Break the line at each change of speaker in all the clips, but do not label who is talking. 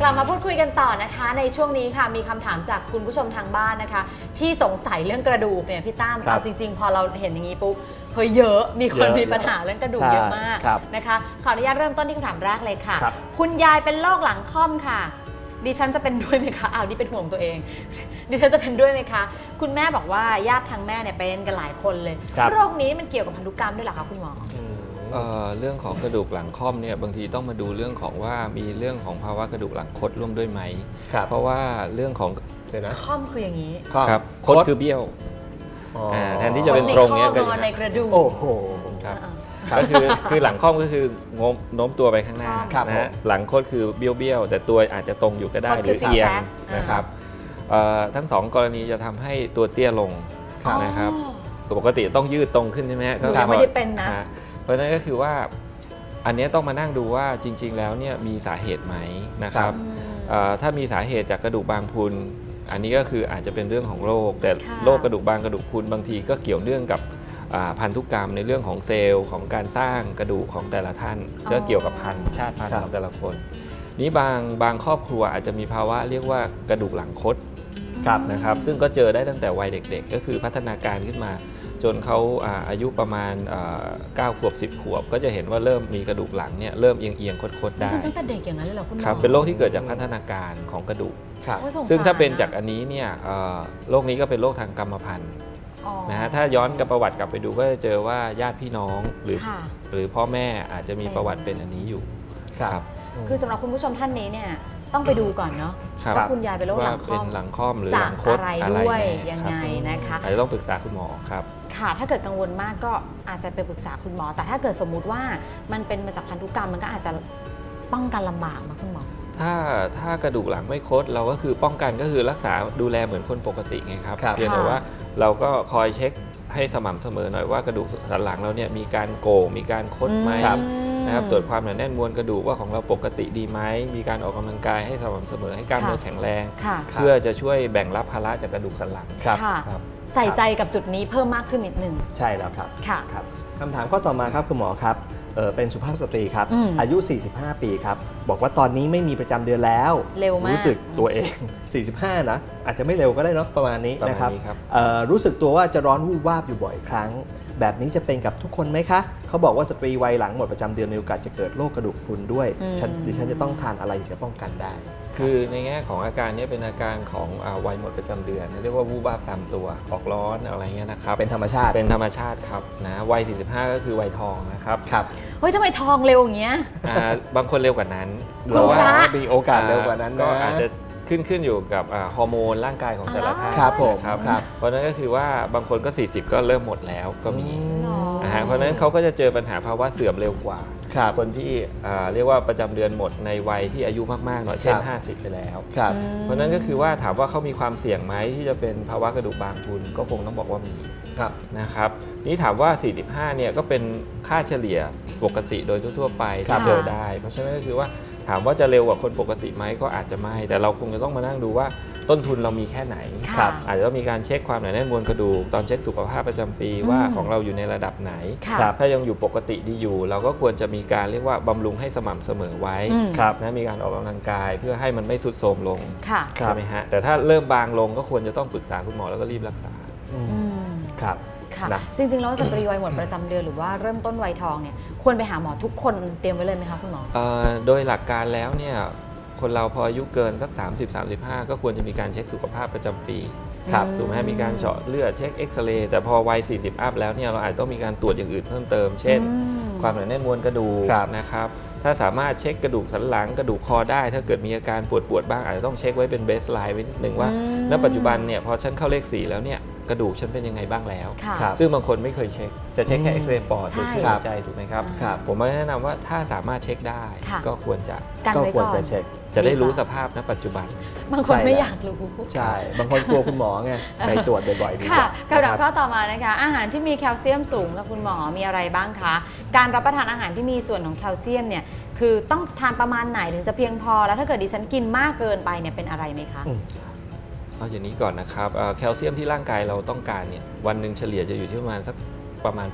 ลับมาพูดคุยกันต่อนะคะในช่วงนี้ค่ะมีคำถามจากคุณผู้ชมทางบ้านนะคะที่สงสัยเรื่องกระดูกเนี่ยพี่ตั้มเอาจริงๆพอเราเห็นอย่างนี้ปุ๊บเฮ้ยเยอะมีคนมีปัญหาเรื่องกระดูกเยอะมากนะคะขออนุญาตเริ่มต้นที่คำถามแรกเลยค่ะคุณยายเป็นโรคหลังค่อมค่ะดิฉันจะเป็นด้วยไหมคะนี่เป็นห่วงตัวเองดิฉันจะเป็นด้วยไหมคะคุณแม่บอกว่าญาติทางแม่เนี่ยเป็นกันหลายคนเลยโรคนี้มันเกี่ยวกับพันธุกรรมด้วยเหรอคะคุณหมอ
เรื่องของกระดูกหลังค่อมเนี่ยบางทีต้องมาดูเรื่องของว่ามีเรื่องของภาวะกระดูกหลังคดร่วมด้วยไหมเพราะว่าเรื่องของ
ค่อมคืออย่างนี้
ครับคดคือเบี้ยวแทนที่จะเป็นตรงเนี่ย
ก็ในกระดูก
โอ้โหครับก็คือหลังค่อมก็คือโน้มตัวไปข้างหน้านะฮะหลังคดคือเบี้ยวแต่ตัวอาจจะตรงอยู่ก็ได้หรือเอียงนะครับทั้งสองกรณีจะทำให้ตัวเตี้ยลงนะครับปกติต้องยืดตรงขึ้นใช่ไหมฮะ
ก็ไม่ได้เป็นนะ
เพราะฉะนั้นก็คือว่าอันนี้ต้องมานั่งดูว่าจริงๆแล้วเนี่ยมีสาเหตุไหมนะครับถ้ามีสาเหตุจากกระดูกบางพรุนอันนี้ก็คืออาจจะเป็นเรื่องของโรคแต่โรคกระดูกบางกระดูกพรุนบางทีก็เกี่ยวเนื่องกับพันธุกรรมในเรื่องของเซลล์ของการสร้างกระดูกของแต่ละท่านก็เกี่ยวกับชาติพันธุ์ของแต่ละคนนี้บางครอบครัวอาจจะมีภาวะเรียกว่ากระดูกหลังคดนะครับซึ่งก็เจอได้ตั้งแต่วัยเด็กๆก็คือพัฒนาการขึ้นมาจนเขาอายุประมาณ9 ขวบ 10 ขวบก็จะเห็นว่าเริ่มมีกระดูกหลังเนี่ยเริ่มเอียงคดๆได้
ตั้งแต่เด็กอย่างนั้นเลยเหรอคุณหมอ
ครับเป็นโรคที่เกิดจากพัฒนาการของกระดูกซึ่งถ้าเป็นจากอันนี้เนี่ยโรคนี้ก็เป็นโรคทางกรรมพันธุ์นะฮะถ้าย้อนกับประวัติกลับไปดูก็จะเจอว่าญาติพี่น้องหรือพ่อแม่อาจจะมีประวัติเป็นอันนี้อยู่ครับ
คือสำหรับคุณผู้ชมท่านนี้เนี่ยต้องไปดูก่อนเนาะว่าคุณยายเป็นโรคหลัง
ค่อมหรือหลังคด
อะไรด้วยยังไงนะคะ
อาจจะต้องปรึกษาคุณหมอครับ
ค่ะถ้าเกิดกังวลมากก็อาจจะไปปรึกษาคุณหมอแต่ถ้าเกิดสมมุติว่ามันเป็นมาจากพันธุกรรมมันก็อาจจะป้องกันลำบากนะคุณหมอ
ถ้ากระดูกหลังไม่คดเราก็คือป้องกันก็คือรักษาดูแลเหมือนคนปกติไงครับเพียงแต่ว่าเราก็คอยเช็คให้สม่ำเสมอหน่อยว่ากระดูกสันหลังเราเนี่ยมีการโก่งมีการคดไหมนะครับตรวจความหนาแน่นมวลกระดูกว่าของเราปกติดีไหมมีการออกกำลังกายให้สม่ำเสมอให้กล้ามเนื้อแข็งแรงเพื่อจะช่วยแบ่งรับภาระจากกระดูกสันหลัง
ครับใส่ใจกับจุดนี้เพิ่มมากขึ้นนิดนึง
ใช่แล้วครับคำถามข้อต่อมาครับคุณหมอครับเป็นสุภาพสตรีครับอายุ 45 ปีครับบอกว่าตอนนี้ไม่มีประจำเดือนแล้ว
เร็วมาก
รู้สึกตัวเอง 45 นะอาจจะไม่เร็วก็ได้เนาะประมาณนี้นะครับรู้สึกตัวว่าจะร้อนวูบวาบอยู่บ่อยครั้งแบบนี้จะเป็นกับทุกคนไหมคะเขาบอกว่าสตรีวัยหลังหมดประจำเดือนมีโอกาสจะเกิดโรคกระดูกพรุนด้วยดิฉันจะต้องทานอะไรถึงจะป้องกันได้
คือในแง่ของอาการนี้เป็นอาการของวัยหมดประจำเดือนเรียกว่าวูบวาบตามตัวออกร้อนอะไรเงี้ยนะครับ
เป็นธรรมชาติ
ครับนะวัย 45 ก็คือวัยทองนะครับ
เฮ้ยทำไมทองเร็วอย่างเงี้ย
บางคนเร็วกว่านั้น
หรือว่า
มีโอกาสเร็วกว่านั้น
ก็อาจจะขึ้นอยู่กับฮอร์โมนร่างกายของแต่ละท่าน
ครับผม
เพราะนั้นก็คือว่าบางคนก็40ก็เริ่มหมดแล้วก็มีเพราะนั้นเขาก็จะเจอปัญหาภาวะเสื่อมเร็วกว่าคนที่เรียกว่าประจำเดือนหมดในวัยที่อายุมากๆหน่อยเช่น50ไปแล้วเพราะนั้นก็คือว่าถามว่าเขามีความเสี่ยงไหมที่จะเป็นภาวะกระดูกบางพรุนก็คงต้องบอกว่ามีนะครับนี่ถามว่า45เนี่ยก็เป็นค่าเฉลี่ยปกติโดยทั่วๆไปที่เจอได้เพราะฉะนั้นก็คือว่าถามว่าจะเร็วกว่าคนปกติไหมก็อาจจะไม่แต่เราคงจะต้องมานั่งดูว่าต้นทุนเรามีแค่ไหนอาจจะต้องมีการเช็คความหนาแน่นมวลกระดูกตอนเช็คสุขภาพประจำปีว่าของเราอยู่ในระดับไหนถ้ายังอยู่ปกติดีอยู่เราก็ควรจะมีการเรียกว่าบำรุงให้สม่ำเสมอไว้นะมีการออกกำลังกายเพื่อให้มันไม่ทรุดโทรมลงใช่ไหมฮะแต่ถ้าเริ่มบางลงก็ควรจะต้องปรึกษาคุณหมอแล้วก็รีบรักษา
ครับ
จริงๆแล้วสตรีวัยหมดประจำเดือนหรือว่าเริ่มต้นวัยทองเนี่ยควรไปหาหมอทุกคนเตรียมไว้เลยไหมคะคุณหมอ
โดยหลักการแล้วเนี่ยคนเราพออายุเกินสัก30-35ก็ควรจะมีการเช็คสุขภาพประจำปีถูกไหมมีการเจาะเลือดเช็คเอ็กซเรย์แต่พอวัย40อัพแล้วเนี่ยเราอาจต้องมีการตรวจอย่างอื่นเพิ่มเติมเช่นความหนาแน่นมวลกระดูกนะครับถ้าสามารถเช็คกระดูกสันหลังกระดูกคอได้ถ้าเกิดมีอาการปวดบ้างอาจจะต้องเช็คไว้เป็นเบสไลน์ไว้นิดนึงว่าณปัจจุบันเนี่ยพอฉันเข้าเลข4แล้วเนี่ยกระดูกฉันเป็นยังไงบ้างแล้วซึ่งบางคนไม่เคยเช็คจะเช็คแค่เอ็กซเรย์ปอดหรือคลื่นหัวใจถูกไหมครับผมแนะนำว่าถ้าสามารถเช็คได้ก็ควรจะ
เช็ค
จะได้รู้สภาพณปัจจุบัน
บางคนไม่อยากรู้
ใช่บางคนกลัวคุณหมอไงไปตรวจบ่อยๆดีกว่า
คำถามข้อต่อมานะคะอาหารที่มีแคลเซียมสูงกับคุณหมอมีอะไรบ้างคะการรับประทานอาหารที่มีส่วนของแคลเซียมเนี่ยคือต้องทานประมาณไหนถึงจะเพียงพอแล้วถ้าเกิดดิฉันกินมากเกินไปเนี่ยเป็นอะไรไหมคะ
เอาอย่างนี้ก่อนนะครับแคลเซียมที่ร่างกายเราต้องการเนี่ยวันหนึ่งเฉลี่ยจะอยู่ที่ประมาณสักประมาณ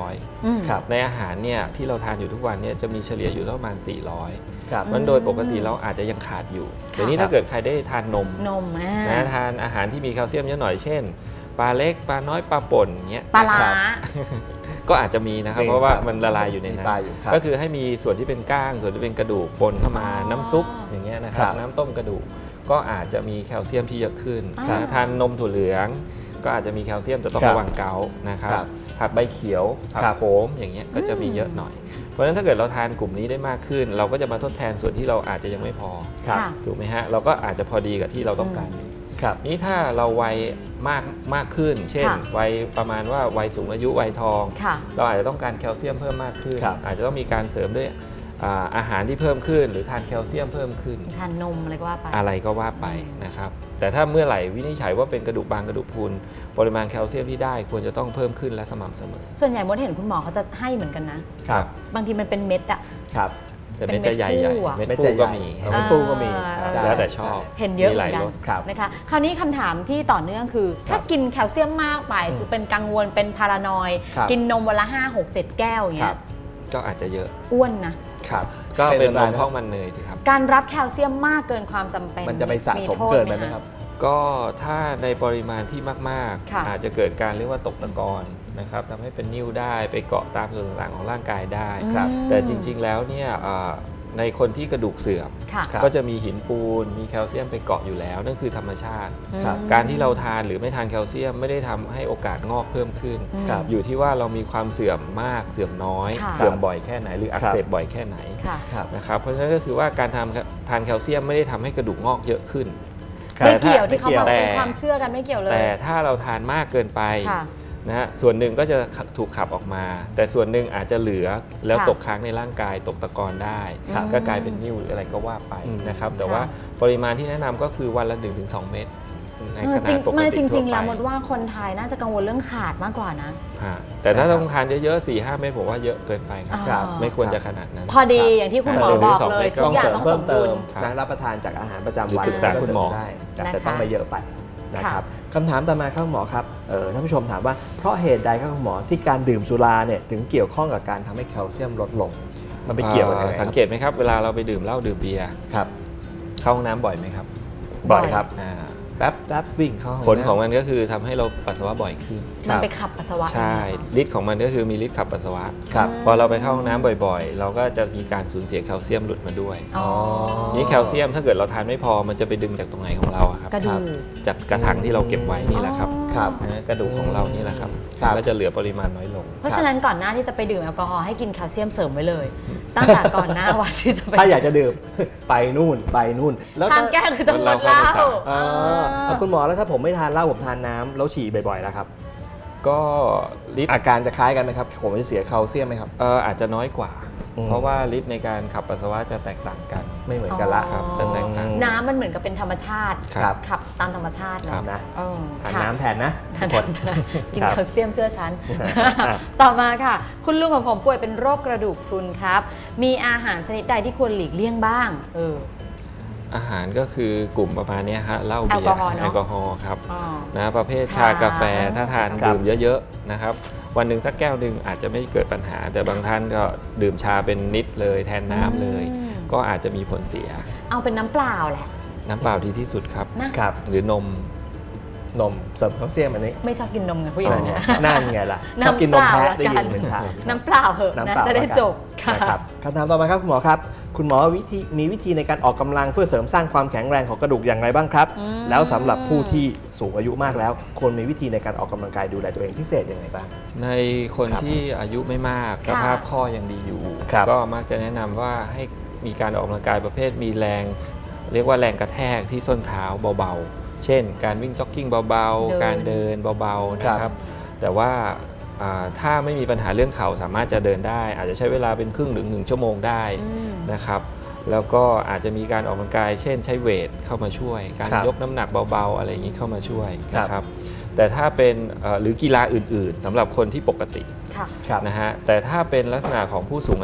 800
ครับ
ในอาหารเนี่ยที่เราทานอยู่ทุกวันเนี่ยจะมีเฉลี่ยอยู่ประมาณ 400
ครับ
มันโดยปกติเราอาจจะยังขาดอยู่เดี๋ยวนี้ถ้าเกิดใครได้ทานนมนะทานอาหารที่มีแคลเซียมเยอะหน่อยเช่นปลาเล็กปลาน้อยปลาป่นเงี้ย
ปลาร้า
ก็อาจจะมีนะครับเพราะว่ามันละลายอยู่ในนั้น
ครับ
ก็คือให้มีส่วนที่เป็นก้างส่วนที่เป็นกระดูกปนเข้ามาน้ำซุปอย่างเงี้ยนะครับน้ำต้มกระดูกก็อาจจะมีแคลเซียมที่เยอะขึ้นนะทานนมถั่วเหลืองก็อาจจะมีแคลเซียมแต่ต้องระวังเกาต์นะครับผักใบเขียวผักโขมอย่างเงี้ยก็จะมีเยอะหน่อยเพราะฉะนั้นถ้าเกิดเราทานกลุ่มนี้ได้มากขึ้น เราก็จะมาทดแทนส่วนที่เราอาจจะยังไม่พอถูกไหมฮะเราก็อาจจะพอดีกับที่เราต้องการนี้ถ้าเราวัยมากขึ้นเช่นวัยประมาณว่าวัยสูงอายุวัยทองเราอาจจะต้องการแคลเซียมเพิ่มมากขึ้นอาจจะต้องมีการเสริมด้วยอาหารที่เพิ่มขึ้นหรือทานแคลเซียมเพิ่มขึ้น
ทานนมอะไรก็ว่าไป
นะครับแต่ถ้าเมื่อไหร่วินิจฉัยว่าเป็นกระดูกบางกระดูกพรุนปริมาณแคลเซียมที่ได้ควรจะต้องเพิ่มขึ้นและสม่ำเสมอ
ส่วนใหญ่มดเห็นคุณหมอเขาจะให้เหมือนกันนะครับบางทีมันเป็นเม็ดอะ
ครับ
แต่เม็ดจะใหญ่ๆเม็ดฟูก็มี
เม็ดฟูก็มี
แล้วแต่ชอบ
เห็นเยอะเหมือนกันนะคะคราวนี้คำถามที่ต่อเนื่องคือถ้ากินแคลเซียมมากไปคือเป็นกังวลเป็นพารานอยกินนมวันละ5 6 7 แก้วอย่างเงี้ย
ก็อาจจะเยอะ
อ้วนนะครับ
ก็เป็นนมท้องมันเนยสิครับ
การรับแคลเซียมมากเกินความจำเป็น
มันจะไปสะสมเกินไปไหมครับ
ก็ถ้าในปริมาณที่มากๆอาจจะเกิดการเรียกว่าตกตะกอนนะครับทำให้เป็นนิ่วได้ไปเกาะตามส่วนต่างๆของร่างกายได้แต่จริงๆแล้วเนี่ยในคนที่กระดูกเสื่อมก็จะมีหินปูนมีแคลเซียมไปเกาะอยู่แล้วนั่นคือธรรมชาติการที่เราทานหรือไม่ทานแคลเซียมไม่ได้ทำให้โอกาสงอกเพิ่มขึ้นอยู่ที่ว่าเรามีความเสื่อมมากเสื่อมน้อยเสื่อมบ่อยแค่ไหนหรืออักเสบบ่อยแค่ไหนนะครับเพราะฉะนั้นก็คือว่าการทานแคลเซียมไม่ได้ทำให้กระดูกงอกเยอะขึ้น
ไม่เกี่ยวที่เขาบอกเป็นความเชื่อกันไม่เกี่ยวเลย
แต่ถ้าเราทานมากเกินไปนะฮะส่วนหนึ่งก็จะถูกขับออกมาแต่ส่วนหนึ่งอาจจะเหลือแล้วตกค้างในร่างกายตกตะกอนได้ก็กลายเป็นนิ่วหรืออะไรก็ว่าไปนะครับแต่ว่าปริมาณที่แนะนำก็คือวันละ 1-2 เม็ดในขนาดปกติทั่วไป
จริงๆแล้วมดว่าคนไทยน่าจะกังวลเรื่องขาดมากกว่านะ
แต่ถ้าต้องทานเยอะๆ 4-5 เม็ดผมว่าเยอะเกินไปครับไม่ควรจะขนาดนั้น
พอดีอย่างที่คุณหมอบอกเลยทุกอย่างต้องสมดุล
รับประทานจากอาหารประจำวัน
ปรึกษาคุณหมอ
ได้แต่ต้องไม่เยอะไปนะครับคำถามต่อมาครับหมอครับท่านผู้ชมถามว่าเพราะเหตุใดครับคุณหมอที่การดื่มสุราเนี่ยถึงเกี่ยวข้องกับการทำให้แคลเซียมลดลงมันไปเกี่ยวกันยังไง
สังเกตไหมครับเวลาเราไปดื่มเหล้าดื่มเบียร์
ครับ
เข้าห้องน้ำบ่อยไหมครับ
บ่อยครับแป๊บวิ่งเข้า
ผลของมันก็คือทำให้เราปัสสาวะบ่อยขึ้น
มันไปขับปัสสาวะ
ใช่ฤทธิ์ของมันก็คือมีฤทธิ์ขับปัสสาวะพอเราไปเข้าห้องน้ำบ่อยๆเราก็จะมีการสูญเสียแคลเซียมหลุดมาด้วยนี่แคลเซียมถ้าเกิดเราทานไม่พอมันจะไปดึงจากตรงไหนของเราครับจากกระถางที่เราเก็บไว้นี่แหละครับกระดูกของเรานี่แหละครับก็จะเหลือปริมาณน้อยลง
เพราะฉะนั้นก่อนหน้าที่จะไปดื่มแอลกอฮอล์ให้กินแคลเซียมเสริมไว้เลยตั้งแต่ก่อนหน้าวันที่จะไป
ถ้าอยากจะดื่มไปนู่น
แล้วทานแก้คือต้องงดเหล้า
คุณหมอแล้วถ้าผมไม่ทานเหล้าผมทานน้ำแล้วฉี่บ่อยๆแล้วครับ
ก็
อาการจะคล้ายกันไหมครับผมจะเสียแคลเซียมไหมครับ
อาจจะน้อยกว่าเพราะว่าฤทธิ์ในการขับปัสสาวะจะแตกต่างกัน
ไม่เหมือนกันละ
ครับจะแตกต่าง
น้ำมันเหมือนกับเป็นธรรมชาติขับตามธรรมชาติ
นะทานน้ำแทนนะ
กินแคลเซียมเชื่อฉันต่อมาค่ะคุณลุงของผมป่วยเป็นโรคกระดูกพรุนครับมีอาหารชนิดใดที่ควรหลีกเลี่ยงบ้าง
อาหารก็คือกลุ่มประมาณนี้ฮะเหล้าเบียร์แอลกอฮอล์ครับนะประเภทชากาแฟถ้าทานดื่มเยอะๆนะครับวันหนึ่งสักแก้วหนึ่งอาจจะไม่เกิดปัญหาแต่บางท่านก็ดื่มชาเป็นนิดเลยแทนน้ำเลยก็อาจจะมีผลเสีย
เอาเป็นน้ำเปล่าแหละ
น้ำเปล่าดีที่สุดครับหรือนม
เสริมแคลเซียมอันนี้
ไม่ชอบกินนมไงผู้หญิงเนี่ย
นั่นไงล่ะชอบกินนมแพะได้ยินเหมือนกัน
น้ำเปล่าเหอะนะจะได้จบ
ครับคำถามต่อมาครับคุณหมอครับคุณหมอมีวิธีในการออกกำลังเพื่อเสริมสร้างความแข็งแรงของกระดูกอย่างไรบ้างครับแล้วสำหรับผู้ที่สูงอายุมากแล้วควรมีวิธีในการออกกำลังกายดูแลตัวเองพิเศษยังไงบ้าง
ในคนที่อายุไม่มากสภาพข้อยังดีอยู่ก็มักจะแนะนำว่าให้มีการออกกำลังกายประเภทมีแรงเรียกว่าแรงกระแทกที่ส้นเท้าเบาๆเช่นการวิ่งจ็อกกิ้งเบาๆการเดินเบาๆนะครับแต่ว่าถ้าไม่มีปัญหาเรื่องเข่าสามารถจะเดินได้อาจจะใช้เวลาเป็นครึ่งถึง1 ชั่วโมงได้นะครับแล้วก็อาจจะมีการออกกำลังกายเช่นใช้เวทเข้ามาช่วยการยกน้ำหนักเบาๆอะไรอย่างนี้เข้ามาช่วยนะครับแต่ถ้าเป็นหรือกีฬาอื่นๆสำหรับคนที่ปกตินะฮะแต่ถ้าเป็นลักษณะของผู้สูงอายุ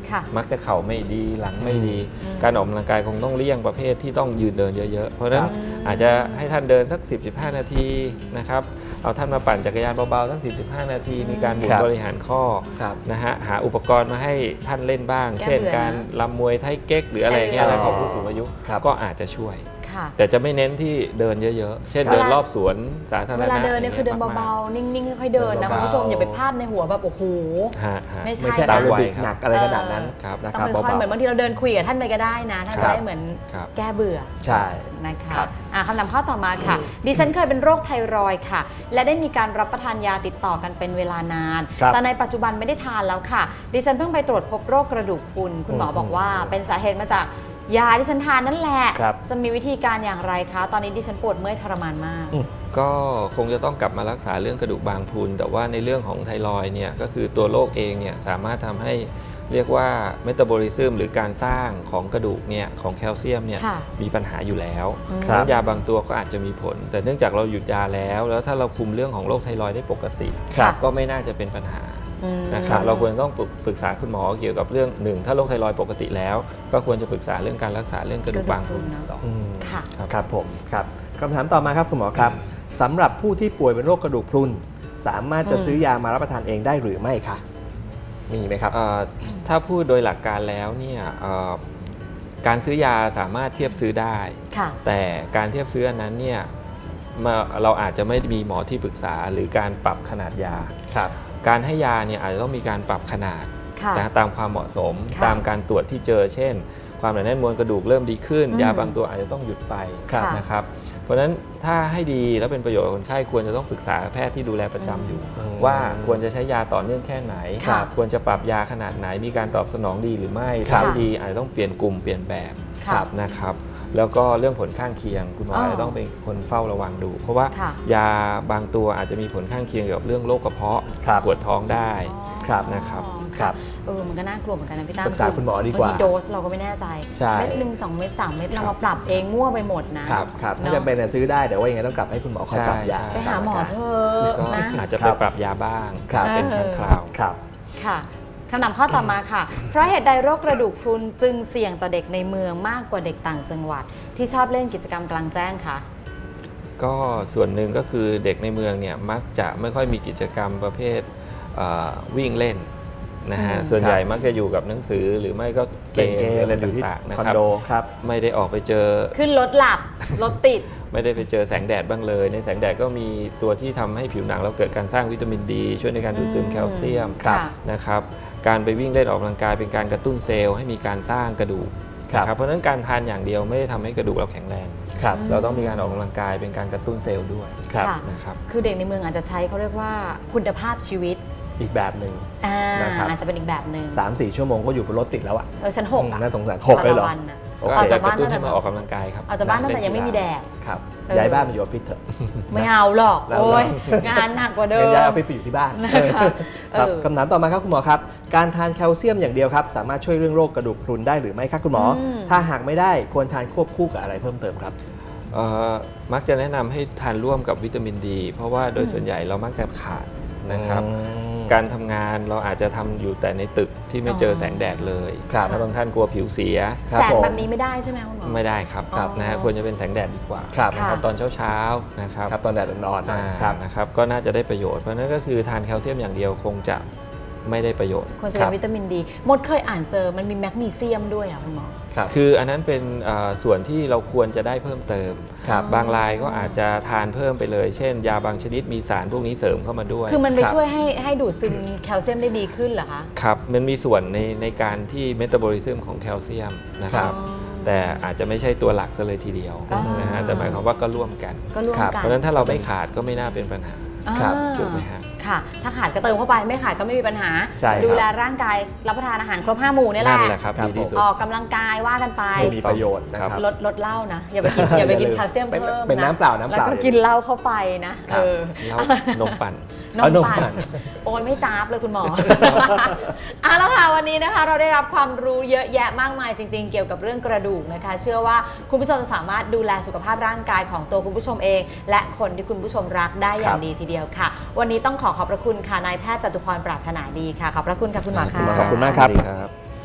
ค่ะ
มักจะเข่าไม่ดีหลังไม่ดี การออกกำลังกายคงต้องเลี่ยงประเภทที่ต้องยืนเดินเยอะๆเพราะฉะนั้นอาจจะให้ท่านเดินสัก 10-15 นาทีนะครับเอาท่านมาปั่นจักรยานเบาๆสัก 10-15 นาทีมีการหมุนบริหารข้อนะฮะหาอุปกรณ์มาให้ท่านเล่นบ้าง เช่นการลำมวยไทเก๊กหรืออะไรเงี้ยอะไรของผู้สูงอายุก็อาจจะช่วยแต่จะไม่เน้นที่เดินเยอะๆเช่นเดินรอบสวนสาธารณะ
เวลาเดินเนี่ยคือเดินเบาๆนิ่งๆค่อยๆเดินนะคุณผู้ชมอย่าไปพลาดในหัวแบบโอ้โหไม่ใช่
ตามระบิดหนักอะไรขนาดนั้น
ต้องค่อยๆเหมือนบางทีเราเดินคุยกับท่านไปก็ได้นะท่านจะได้เหมือนแก้เบื่อ
ใช่
นะคะคำถามข้อต่อมาค่ะดิฉันเคยเป็นโรคไทรอยด์ค่ะและได้มีการรับประทานยาติดต่อกันเป็นเวลานานแต่ในปัจจุบันไม่ได้ทานแล้วค่ะดิฉันเพิ่งไปตรวจพบโรคกระดูกพรุนคุณหมอบอกว่าเป็นสาเหตุมาจากยาที่ฉันทานนั่นแหละจะมีวิธีการอย่างไรคะตอนนี้ดิฉันปวดเมื่อยทรมานมาก
ก็คงจะต้องกลับมารักษาเรื่องกระดูกบางพรุนแต่ว่าในเรื่องของไทรอยด์เนี่ยก็คือตัวโรคเองเนี่ยสามารถทำให้เรียกว่าเมตาบอลิซึมหรือการสร้างของกระดูกเนี่ยของแคลเซียมเนี่ยมีปัญหาอยู่แล้วยาบางตัวก็อาจจะมีผลแต่เนื่องจากเราหยุดยาแล้วถ้าเราคุมเรื่องของโรคไทรอยด์ได้ปกติก็ไม่น่าจะเป็นปัญหานะครับเราควรต้องปรึกษาคุณหมอเกี่ยวกับเรื่องหนึ่งถ้าโรคไทรอยด์ปกติแล้วก็ควรจะปรึกษาเรื่องการรักษาเรื่องกระดูกบางพรุนต่อ
ครับผมครับคำถามต่อมาครับคุณหมอครับสำหรับผู้ที่ป่วยเป็นโรคกระดูกพรุนสามารถจะซื้อยามารับประทานเองได้หรือไม่คะมีไหมครับ
ถ้าพูดโดยหลักการแล้วเนี่ยการซื้อยาสามารถเทียบซื้อได้แต่การเทียบซื้ออันนั้นเนี่ยเราอาจจะไม่มีหมอที่ปรึกษาหรือการปรับขนาดยาการให้ยาเนี่ยอาจจะต้องมีการปรับขนาดตามความเหมาะสมตามการตรวจที่เจอเช่นความหนาแน่นมวลกระดูกเริ่มดีขึ้นยาบางตัวอาจจะต้องหยุดไปนะครับเพราะฉะนั้นถ้าให้ดีและเป็นประโยชน์กับคนไข้ควรจะต้องปรึกษาแพทย์ที่ดูแลประจำอยู่ว่าควรจะใช้ยาต่อเนื่องแค่ไหนควรจะปรับยาขนาดไหนมีการตอบสนองดีหรือไม่ถ้าไม่ดีอาจจะต้องเปลี่ยนกลุ่มเปลี่ยนแบบนะครับแล้วก็เรื่องผลข้างเคียงคุณหมอจะต้องเป็นคนเฝ้าระวังดูเพราะว่ายาบางตัวอาจจะมีผลข้างเคียงเกี่ยวกับเรื่องโรคกระเพาะปวดท้องได้นะครับ
มันก็น่ากลัวเหมือนกันนะพี่ตั้ม
ปรึกษาคุณหมอดีกว่า
โดสเราก็ไม่แน่ใจเม็ด1 2 เม็ด3 เม็ดเรามาปรับเองมั่วไปหมดนะครับ
ถ้าจะเป็นซื้อได้แต่ว่ายังไงต้องกลับให้คุณหมอคอยปรับยา
ไปหาหมอเถอะนะ
อาจจะไปปรับยาบ้างเป็นครั้งคราว
ค่ะคำถามข้อต่อมาค่ะเพราะเหตุใดโรคกระดูกพรุนจึงเสี่ยงต่อเด็กในเมืองมากกว่าเด็กต่างจังหวัดที่ชอบเล่นกิจกรรมกลางแจ้งคะ
ก็ส่วนหนึ่งก็คือเด็กในเมืองเนี่ยมักจะไม่ค่อยมีกิจกรรมประเภทวิ่งเล่นนะฮะส่วนใหญ่มักจะอยู่กับหนังสือหรือไม่ก็เกมอะไรต่างๆนะครับไม่ได้ออกไปเจอ
ขึ้นรถหลับรถติด
ไม่ได้ไปเจอแสงแดดบ้างเลยในแสงแดดก็มีตัวที่ทำให้ผิวหนังเราเกิดการสร้างวิตามินดีช่วยในการดูดซึมแคลเซียมนะครับการไปวิ่งเล่นออกกำลังกายเป็นการกระตุ้นเซลล์ให้มีการสร้างกระดูกนะครับเพราะฉะนั้นการทานอย่างเดียวไม่ได้ทำให้กระดูกเราแข็งแรงเราต้องมีการออกกำลังกายเป็นการกระตุ้นเซลล์ด้วยนะครับ
คือเด็กในเมืองอาจจะใช้เขาเรียกว่าคุณภาพชีวิต
อีกแบบหนึ่ง
นะครับอาจจะเป็นอีกแบบหนึ่ง
3-4 ชั่วโมงก็อยู่บนรถติดแล้วอ่ะ
ชั้น6อ่ะ
น่าสงสาร6เลยเหรอ
ออกจากบ้านนั่นมาออกกำลังกายครับ
ออกจากบ้านนั่นแต่ยังไม่มีแดด
ครับย้ายบ้านมาอยู่ออฟฟิศเถอะ
ไม่เอาหรอกโอ้ยงานหนักกว่าเดิม
ย้ายออฟฟิศไปอยู่ที่บ้านครับคำถามต่อมาครับคุณหมอครับการทานแคลเซียมอย่างเดียวครับสามารถช่วยเรื่องโรคกระดูกพรุนได้หรือไม่ครับคุณหมอถ้าหากไม่ได้ควรทานควบคู่กับอะไรเพิ่มเติมครับ
มักจะแนะนำให้ทานร่วมกับวิตามินดีเพราะว่าโดยส่วนใหญ่เรามักจะขาดนะครับการทำงานเราอาจจะทำอยู่แต่ในตึกที่ไม่เจอแสงแดดเลยถ้าบางท่านกลัวผิวเสีย
แสงแบบนี้ไม่ได้ใช่ไหมคุณหมอ
ไม่ได้ครับนะฮะควรจะเป็นแสงแดดดีกว่านะครับตอนเช้าๆนะครับ
ตอนแดดอ่อนๆ
นะครับก็น่าจะได้ประโยชน์เพราะนั้นก็คือทานแคลเซียมอย่างเดียวคงจะไม่ได้ประโยชน์
ควรจะเป็นวิตามินดีมดเคยอ่านเจอมันมีแมกนีเซียมด้วยอ่ะคุณหมอ
คืออันนั้นเป็นส่วนที่เราควรจะได้เพิ่มเติมบางรายก็อาจจะทานเพิ่มไปเลยเช่นยาบางชนิดมีสารพวกนี้เสริมเข้ามาด้วย
คือมันไปช่วยให้ดูดซึมแคลเซียมได้ดีขึ้นเหรอคะ
ครับมันมีส่วนในการที่เมตาบอลิซึมของแคลเซียมนะครับแต่อาจจะไม่ใช่ตัวหลักซะเลยทีเดียวนะฮะแต่หมายความว่าก็ร่วมกันเพราะฉะนั้นถ้าเราไม่ขาดก็ไม่น่าเป็นปัญหาถูกไหมครับ
ค่ะถ้าขาดก็เติมเข้าไปไม่ขาดก็ไม่มีปัญหาดูแลร่างกายรับประทานอาหารครบ5 หมู่นี่แหละออกกำลังกายว่ากันไป
มีประโยชน์นะครับ
ลดเหล้านะอย่าไปกินแคลเซียมเพิ่มนะ
เป็นน้ำเปล่าแล้ว
ก็กินเหล้าเข้าไปนะ
นมปั่น
โอนไม่จ้าบเลยคุณหมอแล้วค่ะวันนี้นะคะเราได้รับความรู้เยอะแยะมากมายจริงๆเกี่ยวกับเรื่องกระดูกนะคะเชื่อว่าคุณผู้ชมสามารถดูแลสุขภาพร่างกายของตัวคุณผู้ชมเองและคนที่คุณผู้ชมรักได้อย่างดีทีเดียวค่ะวันนี้ต้องขอบพระคุณค่ะนายแพทย์จตุพรปรารถนาดีค่ะขอบพระคุณค่ะคุณหมอค่ะ
ขอบคุณมากครับ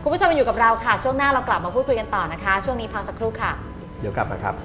คุณผู้ชมมาอยู่กับเราค่ะช่วงหน้าเรากลับมาพูดคุยกันต่อนะคะช่วงนี้พักสักครู่ค่ะ
เดี๋ยวกลับมาครับ